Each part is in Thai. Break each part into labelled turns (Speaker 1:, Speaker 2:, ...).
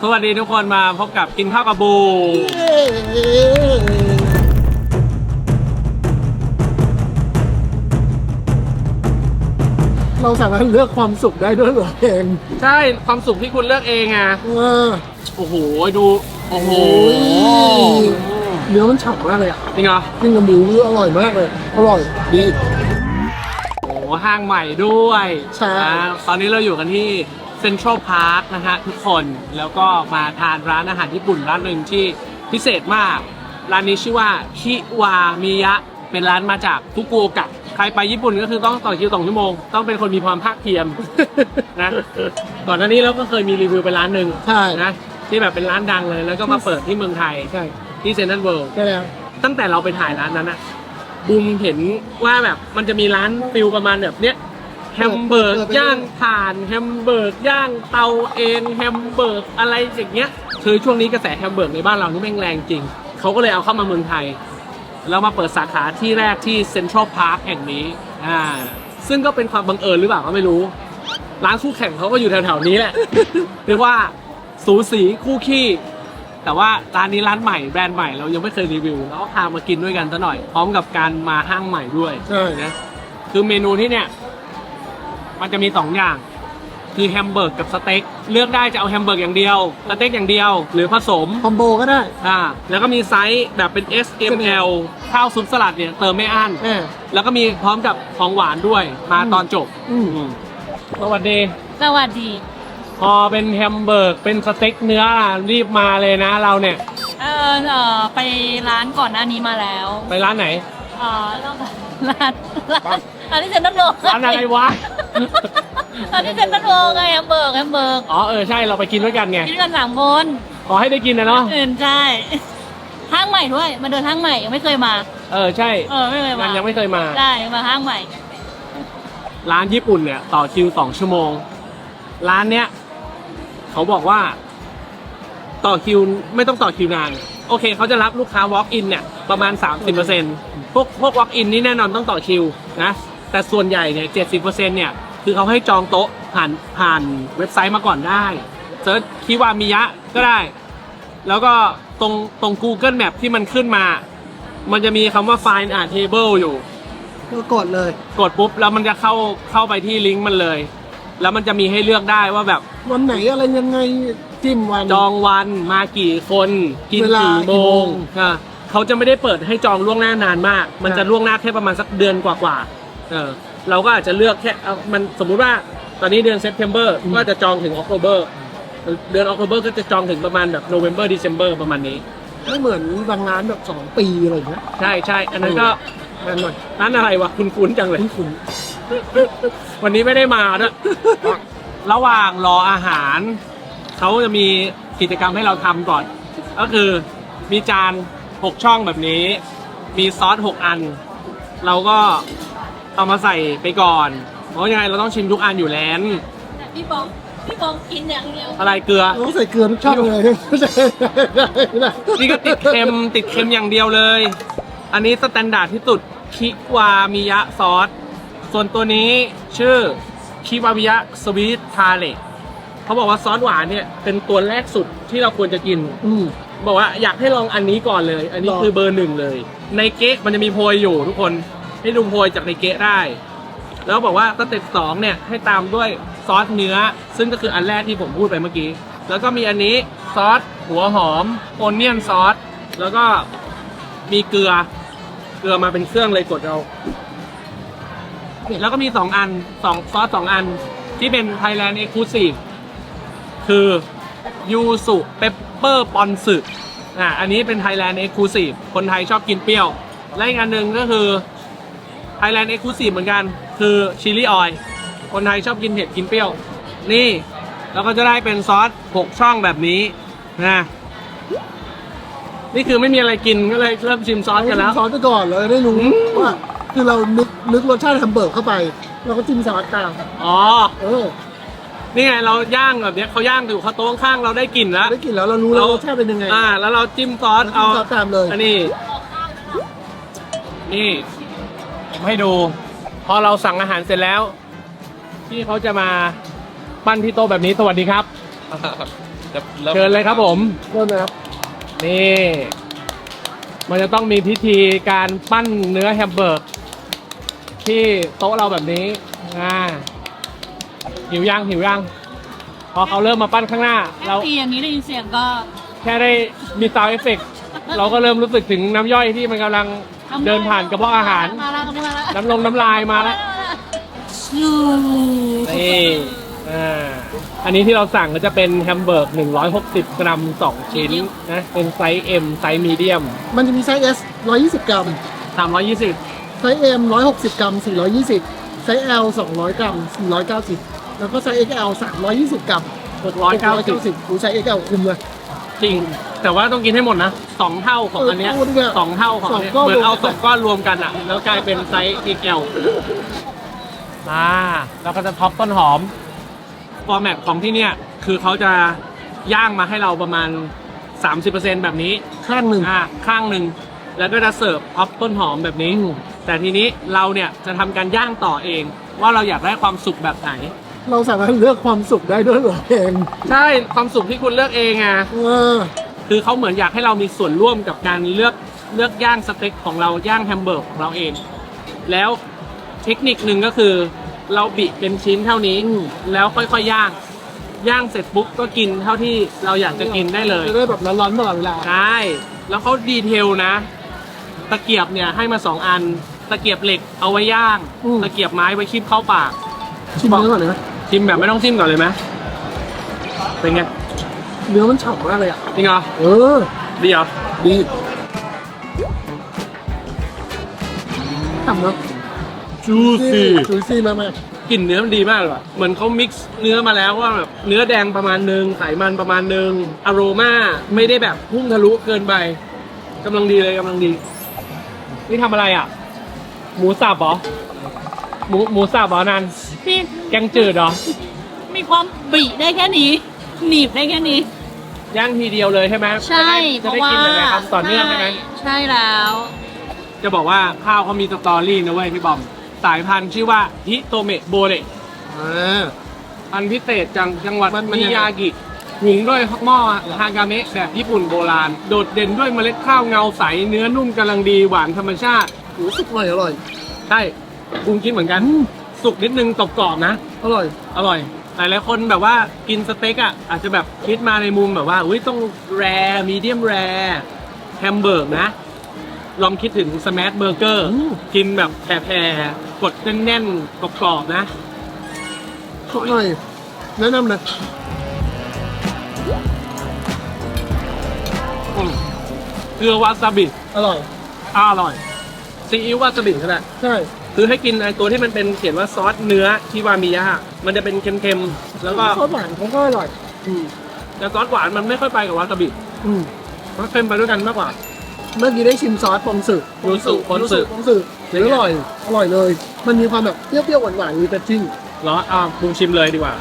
Speaker 1: สวัสดีทุกคนมาพบกับกินข้าวกับบู
Speaker 2: เราสามารถเลือกความสุขได้ด้วยตัวเอง
Speaker 1: ใช่ความสุขที่คุณเลือกเองอ่ะโอ้โหดูโอ้โห
Speaker 2: เนื้อมันฉ่ำมากเลยอ่ะ
Speaker 1: จริงเหรอ
Speaker 2: กินกับหมูอร่อยมากเลยอร่อยดี
Speaker 1: โอ้ห้างใหม่ด้วย
Speaker 2: ใช่
Speaker 1: ตอนนี้เราอยู่กันที่เซ็นทรัลพาร์คนะฮะทุกคนแล้วก็มาทานร้านอาหารญี่ปุ่นร้านหนึ่งที่พิเศษมากร้านนี้ชื่อว่าคิวามิยะเป็นร้านมาจากฟุกุโอกะใครไปญี่ปุ่นก็คือต้องต่อคิว2 ชั่วโมงต้องเป็นคนมีความภาคเพียรนะก่อนหน้านี้เราก็เคยมีรีวิวไปร้านหนึ่งนะที่แบบเป็นร้านดังเลยแล้วก็มาเปิดที่เมืองไทยที่เซ็นทรัลเวิลด์
Speaker 2: ใช่แล้ว
Speaker 1: ตั้งแต่เราไปถ่ายร้านนั้นอะบูมเห็นว่าแบบมันจะมีร้านฟิลประมาณแบบเนี้ยแฮมเบอร์กย่างถ่านแฮมเบอร์กย่างเตาเองแฮมเบอร์กอะไรอย่างเงี้ยคือช่วงนี้กระแสแฮมเบอร์กในบ้านเรานี่แม่งแรงจริงเขาก็เลยเอาเข้ามาเมืองไทยแล้วมาเปิดสาขาที่แรกที่เซ็นทรัลพาร์คแห่งนี้ซึ่งก็เป็นความบังเอิญหรือเปล่าก็ไม่รู้ร้านคู่แข่งเขาก็อยู่แถวๆนี้แหละเรียกว่าสูสีคู่ขี้แต่ว่าร้านนี้ร้านใหม่แบรนด์ใหม่เรายังไม่เคยรีวิวแล้วก็พามากินด้วยกันซะหน่อยพร้อมกับการมาห้างใหม่ด้วย
Speaker 2: ใช่
Speaker 1: นะคือเมนูที่เนี่ยมันจะมี2 อย่างคือแฮมเบอร์กกับสเต็กเลือกได้จะเอาแฮมเบอร์กอย่างเดียวสเต็กอย่างเดียวหรือผสม
Speaker 2: คอมโบก็ได้
Speaker 1: แล้วก็มีไซส์แบบเป็น S M L ข้าวซุปสลัดเนี่ยเติมไม่อั้นแล้วก็มีพร้อมกับของหวานด้วยมาตอนจบสวัสดี
Speaker 3: สวัสดี
Speaker 1: พอเป็นแฮมเบอร์กเป็นสเต็กเนื้อรีบมาเลยนะเราเนี่ย
Speaker 3: ไปร้านก่อนหน้านี้มาแล้ว
Speaker 1: ไปร้านไหน
Speaker 3: ร้านที่เซ็นทรัลโล
Speaker 1: ร้านอะไรวะ
Speaker 3: ร้านที่เซ็นทรัลโลไงแฮมเบอร์ก
Speaker 1: อ๋อใช่เราไปกินด้วยกันไง
Speaker 3: กินกัน3 คน
Speaker 1: ขอให้ได้กินนะเนาะ
Speaker 3: ใช่ห้างใหม่ด้วยมาเดินห้างใหม่ยังไม่เคยมา
Speaker 1: ใช่
Speaker 3: ไม่เคยมา
Speaker 1: ยังไม่เคยมา
Speaker 3: ได้มาห้างใหม่
Speaker 1: ร้านญี่ปุ่นเนี่ยต่อคิว2 ชั่วโมงร้านเนี้ยเขาบอกว่าต่อคิวไม่ต้องต่อคิวนานโอเคเขาจะรับลูกค้า walk in เนี่ยประมาณ 30%พวก walk in นี่แน่นอนต้องต่อคิวนะแต่ส่วนใหญ่เนี่ย 70% เนี่ยคือเขาให้จองโต๊ะผ่านเว็บไซต์มาก่อนได้เซิร์ชคิวามิยะก็ได้แล้วก็ตรง Google Map ที่มันขึ้นมามันจะมีคำว่า Find a Table อยู่
Speaker 2: ก็กดเลย
Speaker 1: กดปุ๊บแล้วมันจะเข้าไปที่ลิงก์มันเลยแล้วมันจะมีให้เลือกได้ว่าแบบ
Speaker 2: วันไหนอะไรยังไงจิ้มวัน
Speaker 1: จองวันมากี่คนกินกี่โมงเขาจะไม่ได้เปิดให้จองล่วงหน้านานมากมันจะล่วงหน้าแค่ประมาณสักเดือนกว่าเราก็อาจจะเลือกแค่มันสมมุติว่าตอนนี้เดือน September ก็จะจองถึง October เดือน October ก็จะจองถึงประมาณแบบ November December ประมาณนี้
Speaker 2: ไม่เหมือนบางร้านแบบ2 ปีอะไรอย่างเงี้ย
Speaker 1: ใช่อันนั้นก็ร้านอะไรวะคุ้นจังเลย
Speaker 2: คุ้น
Speaker 1: วันนี้ไม่ได้มาด้วยระหว่างรออาหารเขาจะมีกิจกรรมให้เราทำก่อนก็คือมีจาน6 ช่องแบบนี้มีซอส6 อันเราก็เอามาใส่ไปก่อนเพราะยังไงเราต้องชิมทุกอันอยู่แล้ว
Speaker 3: พี่บองกินอย่างเดียว
Speaker 1: อะไรเกลือ
Speaker 2: ต้องใส่เกลือทุกช่องเลย
Speaker 1: นี่ก็ติดเค็มอย่างเดียวเลยอันนี้สแตนดาร์ดที่สุดคิวามิยะซอสส่วนตัวนี้ชื่อคิวามิยะสวีททาเลเขาบอกว่าซอสหวานเนี่ยเป็นตัวแรกสุดที่เราควรจะกินบอกว่าอยากให้ลองอันนี้ก่อนเลยอันนี้คือเบอร์ 1เลยในเก๊ะมันจะมีโพยอยู่ทุกคนให้ดูโพยจากในเก๊ะได้แล้วบอกว่าสเต็ป2เนี่ยให้ตามด้วยซอสเนื้อซึ่งก็คืออันแรกที่ผมพูดไปเมื่อกี้แล้วก็มีอันนี้ซอสหัวหอมโอเนียนซอสแล้วก็มีเกลือมาเป็นเครื่องเลยกดเอาแล้วก็มี2 อันซอส 2 อันที่เป็น Thailand Exclusive คือยูสุเปปเปอร์ปอนสึอันนี้เป็น Thailand Exclusive คนไทยชอบกินเปรี้ยวและอีกอันหนึ่งก็คือ Thailand Exclusive เหมือนกันคือชิลลี่ออยล์คนไทยชอบกินเผ็ดกินเปรี้ยวนี่แล้วก็จะได้เป็นซอส6 ช่องแบบนี้นะนี่คือไม่มีอะไรกินก็เลยเริ่มชิมซอสกันแล้ว
Speaker 2: ซอสไปก่อนเลยได้รู้ว่าคือเรานึกรสชาติแฮมเบอร์กเข้าไปเราก็จิ้มซอสตาม
Speaker 1: นี่ไงเราย่างแบบนี้เขาย่างอยู่เขาโต๊ะข้างเราได้กลิ่นแล้ว
Speaker 2: เรารู้แล้วรสชาติเป็นยังไง
Speaker 1: แล้วเราจิ้มซอสเอา
Speaker 2: ตามเลย
Speaker 1: อันนี้ผมให้ดูพอเราสั่งอาหารเสร็จแล้วที่เขาจะมาปั้นที่โต๊ะแบบนี้สวัสดีครับเชิญเลยครับผม
Speaker 2: เริ่มเลยครับ
Speaker 1: นี่ มันจะต้องมีพิธีการปั้นเนื้อแฮมเบอร์กที่โต๊ะเราแบบนี้หิวยังพอเขาเริ่มมาปั้นข้างหน้า
Speaker 3: แค่
Speaker 1: เรา
Speaker 3: ตีอย่างนี้ได้ยินเสียงก็
Speaker 1: แค่ได้มีซาวด์เอฟเฟกต์เราก็เริ่มรู้สึกถึงน้ำย่อยที่มันกำลังเดินผ่านกระเพาะอาหาร
Speaker 3: มาแล้วมาแล้ว
Speaker 1: น้ำลายมาแล้ว นี่อันนี้ที่เราสั่งก็จะเป็นแฮมเบอร์ก160 กรัม 2 ชิ้นนะ เป็นไซส์ M ไซส์มีเดียม
Speaker 2: มันจะมีไซส์ S 120 กรัม
Speaker 1: 320
Speaker 2: ไซส์ M 160 กรัม 420 ไซส์ L 200 กรัม 490 แล้วก็ไซส์ XL 320 กรัม
Speaker 1: 690
Speaker 2: ดูไซส์ XL คุมเลย
Speaker 1: จริง แต่ว่าต้องกินให้หมดนะ2 เท่าของอันเนี้ย
Speaker 2: เออพูดเนี่ย
Speaker 1: 2 เท่าของอันเนี้ย
Speaker 2: 2ก้อน
Speaker 1: เหมือนเอา2ก้อนรวมกันอ่ะ แล้วกลายเป็นไซส์ XL แล้วก็จะท็อปต้นหอม ฟอร์แมตของที่เนี่ยคือเขาจะย่างมาให้เราประมาณ 30% แบบนี้
Speaker 2: ข้างหนึ่ง
Speaker 1: ข้างหนึ่งแล้วก็จะเสิร์ฟท็อปต้นหอมแบบนี้ แต่ทีนี้เราเนี่ยจะทำการย่างต่อเอง ว่าเราอยากได้ความสุกแบบไหน
Speaker 2: เราสามารถเลือกความสุขได้ด้วยเหรอเอง
Speaker 1: ใช่ความสุกที่คุณเลือกเองอ่ะ คือเขาเหมือนอยากให้เรามีส่วนร่วมกับการเลือกย่างสเต็กของเราย่างแฮมเบอร์กของเราเอง แล้วเทคนิคหนึ่งก็คือเราบิเป็นชิ้นเท่านี้แล้วค่อยๆย่างเสร็จปุ๊บก็กินเท่าที่เราอยากจะกินได้เลย
Speaker 2: จะได้แบบร้อนๆตลอดเวลา
Speaker 1: ใช่แล้วเขาดีเทลนะ ตะเกียบเนี่ยให้มา2 อันตะเกียบเหล็กเอาไว้ย่างตะเกียบไม้ไว้คีบเข้าปาก
Speaker 2: ชิมเนื้อก่อนเลยนะ
Speaker 1: ชิมแบบไม่ต้องจิ้มก่อนเลยไหมเป็นไง
Speaker 2: เนื้อมันฉ่ำมากเลยอ่ะ
Speaker 1: จริงเหรอ ดีเหรอ
Speaker 2: ดีฉ่ำเนาะ
Speaker 1: จูซี่
Speaker 2: จูซี่มาก
Speaker 1: กลิ่นเนื้อมันดีมากเลยว่ะเหมือนเขามิกซ์เนื้อมาแล้วว่าแบบเนื้อแดงประมาณนึงไขมันประมาณนึงอโรมาไม่ได้แบบพุ่งทะลุเกินไปกำลังดีเลยกำลังดี นี่ทำอะไรอ่ะ หมูสับเหรอ หมูสับเหรอนัน
Speaker 3: พี่
Speaker 1: แกงจืดเหรอ
Speaker 3: มีความบีได้แค่นี้ หนีบได้แค่นี้
Speaker 1: ย่างทีเดียวเลยใช่ไหม
Speaker 3: ใช่
Speaker 1: จะได้กินหลายๆคำต่อเนื่องใช่ไหม
Speaker 3: ใช่แล้ว
Speaker 1: จะบอกว่าข้าวเขามีสตอรี่นะเว้ยพี่บอม สายพันธุ์ชื่อว่าฮิโตเมะโบเระ พันธุ์พิเศษจังหวัด
Speaker 2: มัน
Speaker 1: มิ
Speaker 2: ยังไง
Speaker 1: ยากิหุงด้วยหม้อฮากาเมะแบบญี่ปุ่นโบราณ โดดเด่นด้วยเมล็ดข้าวเงาใส เนื้อนุ่มกำลังดีหวานธรรมชาติ
Speaker 2: ๆรู้สึกอร่อย
Speaker 1: ใช่บุ้งคิดเหมือนกัน สุกนิดนึงกรอบๆนะ
Speaker 2: อร่อย
Speaker 1: อร่อย หลายๆคนแบบว่ากินสเต็กอ่ะอาจจะแบบคิดมาในมุมแบบว่าอุ้ยต้องแรร์มีเดียมแรร์แฮมเบอร์กนะ ลองคิดถึงสแมชเบอร์เกอร์กินแบบแผ่ๆกดแน่นๆกรอบๆนะ
Speaker 2: อร่อย แนะนำเลย
Speaker 1: เกลือวาซาบิ
Speaker 2: อร่อย
Speaker 1: อร่อยซีอิ๊ววาซาบิก็ได้
Speaker 2: ใช่
Speaker 1: คือให้กินไอตัวที่มันเป็นเขียนว่าซอสเนื้อที่วามิยะมันจะเป็นเค็มๆแล้วก็
Speaker 2: ซอสหวานเขาก็อร่อย
Speaker 1: แต่ซอสหวานมันไม่ค่อยไปกับวาซาบิ
Speaker 2: อืม
Speaker 1: มันเค็มไปด้วยกันมากกว่า
Speaker 2: เมื่อกี้ได้ชิมซอสปองสึ
Speaker 1: ยูสุปองสึ
Speaker 2: ปองสึอร่อย อร่อยเลย มันมีความแบบเปรี้ยวๆหวานๆมีแต่จิ้ง
Speaker 1: เหรอปรุงชิมเลยดีกว่า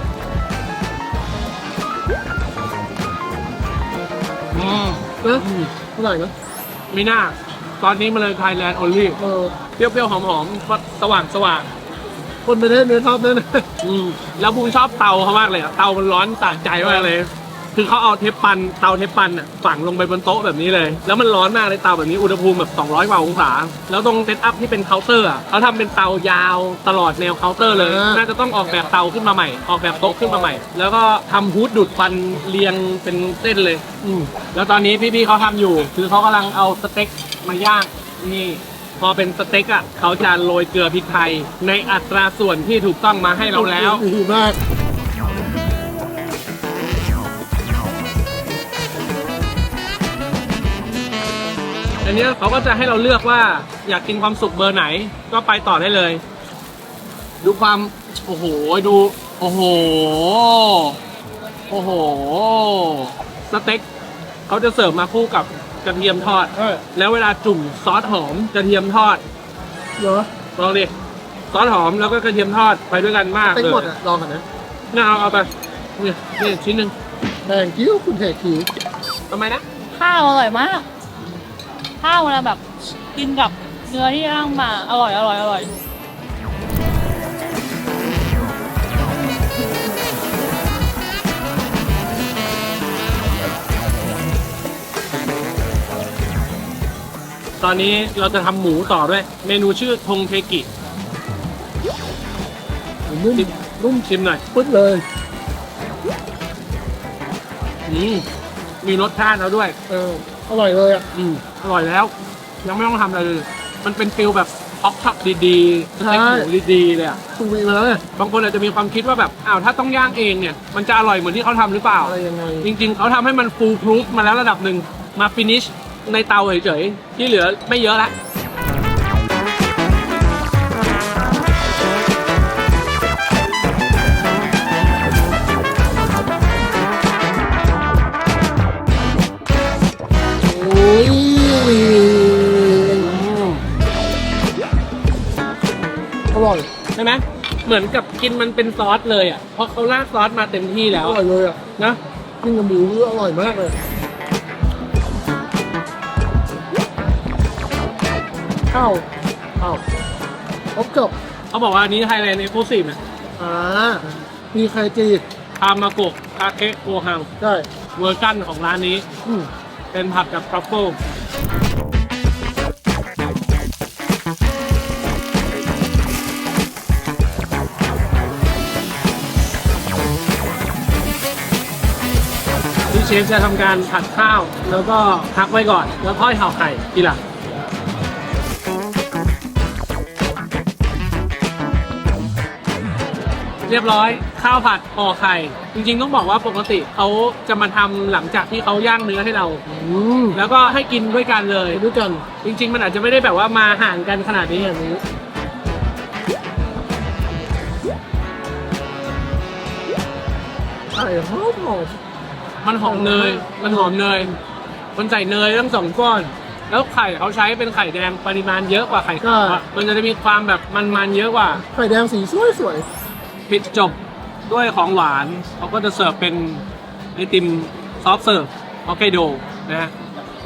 Speaker 2: นะอร่อยนะ
Speaker 1: ไม่น่าตอนนี้มาเลยไทยแลนด์โอลี่เปรี้ยวๆหอมๆสว่าง
Speaker 2: คนประเทศเนื้อชอบแน่
Speaker 1: แล้วบูมชอบเตาเขามากเลยอะเตามันร้อนสะใจมากเลย คือเขาเอาเทปปันอะฝังลงไปบนโต๊ะแบบนี้เลย แล้วมันร้อนมากเลยเตาแบบนี้อุณหภูมิแบบ200 กว่าองศา แล้วตรงเซตอัพที่เป็นเคาน์เตอร์อะเขาทำเป็นเตายาวตลอดแนวเคาน์เตอร์เลย น่าจะต้องออกแบบเตาขึ้นมาใหม่ ออกแบบโต๊ะขึ้นมาใหม่ แล้วก็ทำฮูดดูดควันเรียงเป็นเส้นเลย แล้วตอนนี้พี่ๆเขาทำอยู่ คือเขากำลังเอาสเต็กมาย่างนี่พอเป็นสเต็กอ่ะเขาจะโรยเกลือพริกไทยในอัตราส่วนที่ถูกต้องมาให้
Speaker 2: ๆ
Speaker 1: เราแล้ว
Speaker 2: ดีมาก
Speaker 1: อันนี้เขาก็จะให้เราเลือกว่าอยากกินความสุกเบอร์ไหนก็ไปต่อได้เลย ดูความโอ้โหดูโอ้โหสเต็กเขาจะเสิร์ฟมาคู่กับกระเทียมทอด แล้วเวลาจุ่มซอสหอมกระเทียมทอด
Speaker 2: เหรอ
Speaker 1: ลองดิซอสหอมแล้วก็กระเทียมทอดไปด้วยกันมาก
Speaker 2: เต็ม
Speaker 1: เลย
Speaker 2: หมดอ่ะ ลองกันนะ
Speaker 1: น่าเอาไปนี่ชิ้นหนึ่ง
Speaker 2: แดงกิ้วคุณเทคี
Speaker 1: ทำไมนะ
Speaker 3: ข้าวอร่อยมาก ข้าวเวลาแบบกินกับเนื้อที่ย่างมาอร่อย
Speaker 1: อตอนนี้เราจะทำหมูต่อด้วย เมนูชื่อทงเทกิ
Speaker 2: นุ่ม
Speaker 1: นุ่มชิมหน่อย
Speaker 2: ปึ๊ดเลย
Speaker 1: มีรสชาติแล้วด้วย
Speaker 2: อร่อยเลยอ่ะ
Speaker 1: อร่อยแล้ว ยังไม่ต้องทำอะไรเลย มันเป็นฟิลแบบท็อกช็อปดีๆสเต็กหมูดีๆเลยอะ
Speaker 2: ตูวีมาแล้วเนี่ย
Speaker 1: บางคนอาจจะมีความคิดว่าแบบอ้าวถ้าต้องย่างเองเนี่ยมันจะอร่อยเหมือนที่เขาทำหรือเปล่า
Speaker 2: อะไรยังไง
Speaker 1: จริงๆเขาทำให้มันฟูลพรูฟมาแล้วระดับหนึ่งมาฟินิชในเตาเฉยๆที่เหลือไม่เยอะละ
Speaker 2: โอ้ย อร่อย
Speaker 1: ใช่ไหมเหมือนกับกินมันเป็นซอสเลยอ่ะเพราะเขาราดซอสมาเต็มที่แล้
Speaker 2: อ
Speaker 1: ว
Speaker 2: ร่อยเลยอ่ะ
Speaker 1: นะ
Speaker 2: กินกับหมูอร่อยมากเลยข้าวครบจบ
Speaker 1: เขาบอกว่าอันนี้ไทยแลนด์เอ็กซ์คลูซีฟนะ
Speaker 2: มีไข่จี
Speaker 1: ทามาโกะคาเคะโกฮัง
Speaker 2: ได้
Speaker 1: เวอร์ชันของร้านนี้
Speaker 2: อืม
Speaker 1: เป็นผัดกับทรัฟเฟิลที่เชฟจะทำการผัดข้าว แล้วก็พักไว้ก่อน แล้วค่อยห่อไข่ทีหลังเรียบร้อยข้าวผัดห่อไข่ จริงๆต้องบอกว่าปกติเขาจะมาทำหลังจากที่เขาย่างเนื้อให้เรา แล้วก็ให้กินด้วยกันเลย
Speaker 2: ไปด้วยกัน
Speaker 1: จริง ๆ มันอาจจะไม่ได้แบบว่ามาห่างกันขนาดนี้อย่างนี้
Speaker 2: ไข่หอม
Speaker 1: มันหอมเนย มันหอมเนย มันใส่เนยทั้งสองก้อน แล้วไข่เขาใช้เป็นไข่แดงปริมาณเยอะกว่าไข่ขาวอะมันจะมีความแบบมันๆเยอะกว่า
Speaker 2: ไข่แดงสีสวย
Speaker 1: ปิดจบด้วยของหวาน เขาก็จะเสิร์ฟเป็นไอติมซอฟต์เสิร์ฟฮอกไกโดนะฮะ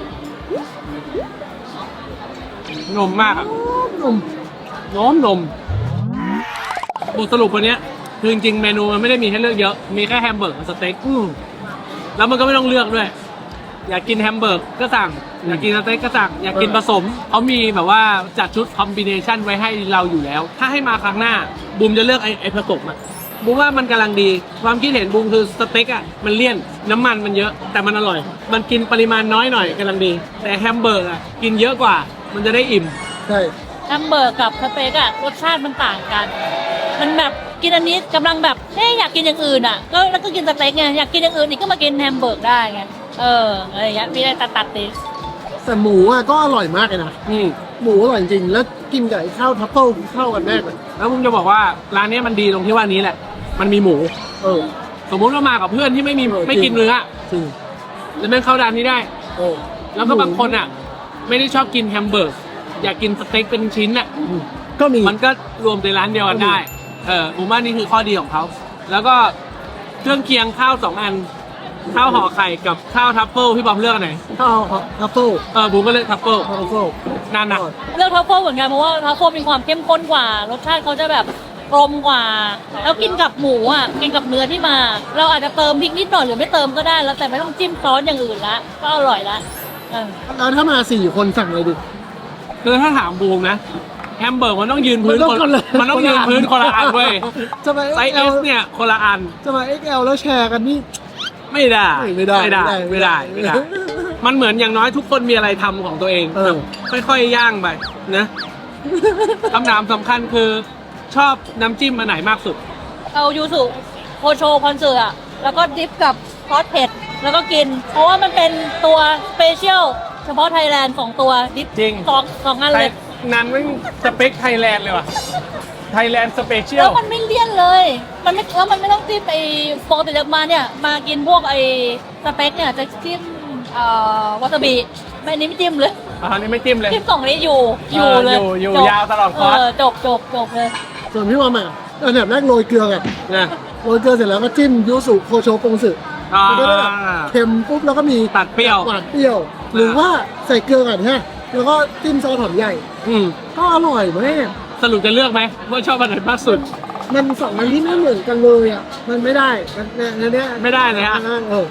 Speaker 1: นมมากอะ
Speaker 2: ๆนุ่ม
Speaker 1: นมบทสรุปวันเนี้ยคือจริงๆเมนูมันไม่ได้มีให้เลือกเยอะ มีแค่แฮมเบอร์กกับสเต็กแล้วมันก็ไม่ต้องเลือกด้วย อยากกินแฮมเบอร์กก็สั่ง อยากกินสเต็กก็สั่ง อยากกินผสม เขามีแบบว่าจัดชุดคอมบิเนชันไว้ให้เราอยู่แล้ว ถ้าให้มาครั้งหน้าบูมจะเลือกไอ้ผสมอะบูมว่ามันกำลังดี ความคิดเห็นบูมคือสเต็กอะมันเลี่ยน น้ำมันมันเยอะ แต่มันอร่อย มันกินปริมาณน้อยหน่อยกำลังดี แต่แฮมเบอร์กอะกินเยอะกว่า มันจะได้อิ่ม
Speaker 2: ใช่
Speaker 3: แฮมเบอร์กกับสเต็กอะรสชาติมันต่างกัน มันแบบกินอันนี้กำลังแบบอยากกินอย่างอื่นอะก็แล้วก็กินสเต็กไงอยากกินอย่างอื่นอีกก็มากินแฮมเบอร์กได้ไงอะไรอย่างเงี้ยมีอะไรตัดติ
Speaker 2: แต่หมูอ่ะก็อร่อยมากเลยนะ หมูอร่อยจริง แล้วกินกับไอ้ข้าวทัฟเฟิลเข้ากันแน่เลย
Speaker 1: แล้วผมจะบอกว่าร้านนี้มันดีตรงที่ว่านี้แหละ มันมีหมู สมมุติว่ามากับเพื่อนที่ไม่กินเนื้อ
Speaker 2: จริง
Speaker 1: แล้วแม่งเข้าร้านนี้ได้ แล้วก็บางคนอ่ะ ไม่ได้ชอบกินแฮมเบอร์กอยากกินสเต็กเป็นชิ้นอ่ะ
Speaker 2: ก็มี
Speaker 1: มันก็รวมในร้านเดียวกันได้ ผมว่านี่คือข้อดีของเขา แล้วก็เครื่องเคียงข้าว2 อัน ข้าวห่อไข่กับข้าวทัฟเฟิลพี่บอมเลือกอันไหน
Speaker 2: ข้าวทัฟเฟิล
Speaker 1: ผมก็เลือกทัฟเฟิล
Speaker 2: ทัฟเฟิล
Speaker 1: นั่นนะ
Speaker 3: เลือกทัฟเฟิลเหมือนกันเพราะว่าทัฟเฟิลมีความเข้มข้นกว่ารสชาติเขาจะแบบกลมกว่า แล้วกินกับหมูอ่ะกินกับเนื้อที่มา เราอาจจะเติมพริกนิดหน่อยหรือไม่เติมก็ได้แล้วแต่ไม่ต้องจิ้มซอสอย่างอื่นละก็อร่อยละเออ
Speaker 2: แล้วถ้ามา4 คนสั่งอะไรดิ
Speaker 1: คือถ้าถามบูมนะแฮมเบอร์กมันต้องยืนพื้นมันต้องยืนพื้นคนละอันเว้ย
Speaker 2: จะมา
Speaker 1: ไซส์ S เนี่ยคนละอัน
Speaker 2: จะมา XL แล้วแชร์กันนี่
Speaker 1: ไม่ได้
Speaker 2: ไม่ได้
Speaker 1: มันเหมือนอย่างน้อยทุกคนมีอะไรทำของตัวเอง ค่อยๆย่างไปนะคำถามสำคัญคือชอบน้ำจิ้มอันไหนมากสุด
Speaker 3: เอายูสุโคโชคอนเสิร์ตอะแล้วก็ดิฟกับซอสเผ็ดแล้วก็กิน เพราะว่ามันเป็นตัวสเปเชียลเฉพาะไทยแลนด์2ตัวดิฟ
Speaker 1: จริง
Speaker 3: สองอันเลย
Speaker 1: นั้นไม่สเปคไทยแลนด์เลยว่ะไทยแลนด์สเปเชีย
Speaker 3: แล้
Speaker 1: ล
Speaker 3: วมันไม่เลี่ยนเลย มันไม่ต้องจิ้มไอ้ปกติแล้วมาเนี่ยมากินพวกไอ้สเต็กเนี่ยจะจิ้มวาซาบิไม่อันนี้ไม่จิ้มเลย
Speaker 1: อันนี้ไม่จิ้มเลย
Speaker 3: จิ้ม2นี้อยู่เลย
Speaker 1: อยู่
Speaker 3: จบ
Speaker 1: ยาวตลอดคอร์ส
Speaker 3: จบเลย
Speaker 2: ส่วนพี่ว่ามาอันดับแรกโรยเกลือก่อน
Speaker 1: นะ
Speaker 2: โรยเกลือเสร็จแล้วก็จิ้มยูสุโคโชปงสึ มันก็ได้แบบเค็มปุ๊บแล้วก็มี
Speaker 1: ตัดเปรี้ยว
Speaker 2: หวานเปรี้ยว หรือว่าใส่เกลือก่อนฮะแล้วก็จิ้มซอสหอมใหญ่ ก็อร่อยมาก
Speaker 1: สรุปจะเลือกไหมว่าชอบอันไหนมากสุด
Speaker 2: มัน2 อันที่ไม่เหมือนกันเลยอ่ะมันไม่ได้มันเนี่ย
Speaker 1: ไม่ได้เลยฮะ
Speaker 2: เออ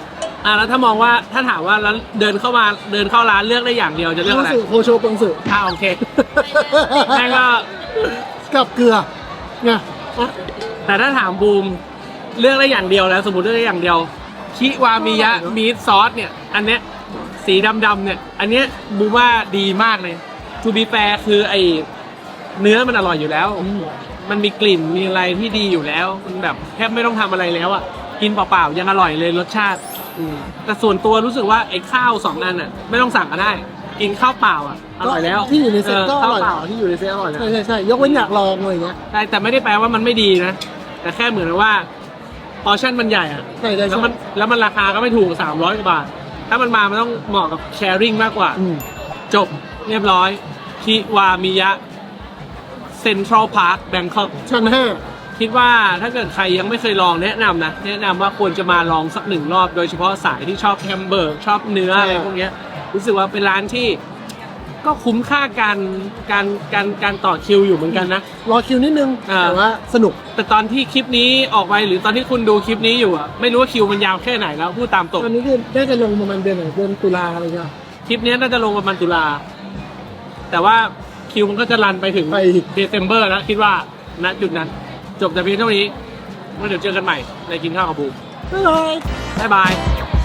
Speaker 1: แล้วถ้ามองว่าถ้าถามว่าแล้วเดินเข้าร้านเลือกได้อย่างเดียวจะเลือกอะไร
Speaker 2: โคโชปงสึ
Speaker 1: โอเคแม่งก็
Speaker 2: กับเกลือไงอ่ะ
Speaker 1: แต่ถ้าถามบูมเลือกได้อย่างเดียวแล้วสมมติเลือกได้อย่างเดียวคิวามิยะมีทซอสเนี่ยอันเนี้ยสีดำๆเนี่ยอันเนี้ยบูมว่าดีมากเลยทูบีแฟร์คือไอเนื้อมันอร่อยอยู่แล้ว มันมีกลิ่นมีอะไรที่ดีอยู่แล้วมันแบบแทบไม่ต้องทำอะไรแล้วอ่ะกินเปล่าๆยังอร่อยเลยรสชาติแต่ส่วนตัวรู้สึกว่าไอ้ข้าว2อันอ่ะไม่ต้องสั่งก็ได้กินข้าวเปล่าอ่ะอร่อยแล้ว
Speaker 2: ที่อยู่ในเซ็ตก็อ
Speaker 1: ข้าว
Speaker 2: ร่อย
Speaker 1: เปล่าที่อยู่ในเซตอร่อยนะ
Speaker 2: ใช่ยกเว้นอยากลองอะไรอย่างเงี้ย
Speaker 1: ใช่แต่ไม่ได้แปลว่ามันไม่ดีนะ แต่แค่เหมือนว่าพอร์ชั่นมันใหญ่อะ
Speaker 2: ใช่
Speaker 1: แล้วมันราคาก็ไม่ถูก300 กว่าบาท ถ้ามันมามันต้องเหมาะกับแชร์ริ่งมากกว่า จบเรียบร้อยคิวามิยะเซ็นทรัลพาร์คแบงคอก
Speaker 2: ชั้น
Speaker 1: คิดว่าถ้าเกิดใครยังไม่เคยลองแนะนำนะ แนะนำว่าควรจะมาลองสัก1 รอบ โดยเฉพาะสายที่ชอบแฮมเบอร์กชอบเนื้ออะไรพวกเนี้ยรู้สึกว่าเป็นร้านที่ก็คุ้มค่าการต่อคิวอยู่เหมือนกันนะ
Speaker 2: 5รอคิวนิดนึง แต่ว่าสนุก
Speaker 1: แต่ตอนที่คลิปนี้ออกไปหรือตอนที่คุณดูคลิปนี้อยู่อะไม่รู้ว่าคิวมันยาวแค่ไหนแล้วพูดตามตรง
Speaker 2: ตอนนี้คือได้จะลงประมาณเดือนไหนเดือนตุลาอะไรเงี้ย
Speaker 1: คลิปนี้น่าจะลงประมาณตุลาแต่ว่าคิวมันก็จะรันไปถึง
Speaker 2: ไป
Speaker 1: เดซ ember แล้วคิดว่าณจุดนั้น จบแต่เพียงเท่านี้แล้วเดี๋ยวเจอกันใหม่ในกินข้าวกับบูม
Speaker 2: บ๊ายบาย
Speaker 1: บ๊ายบาย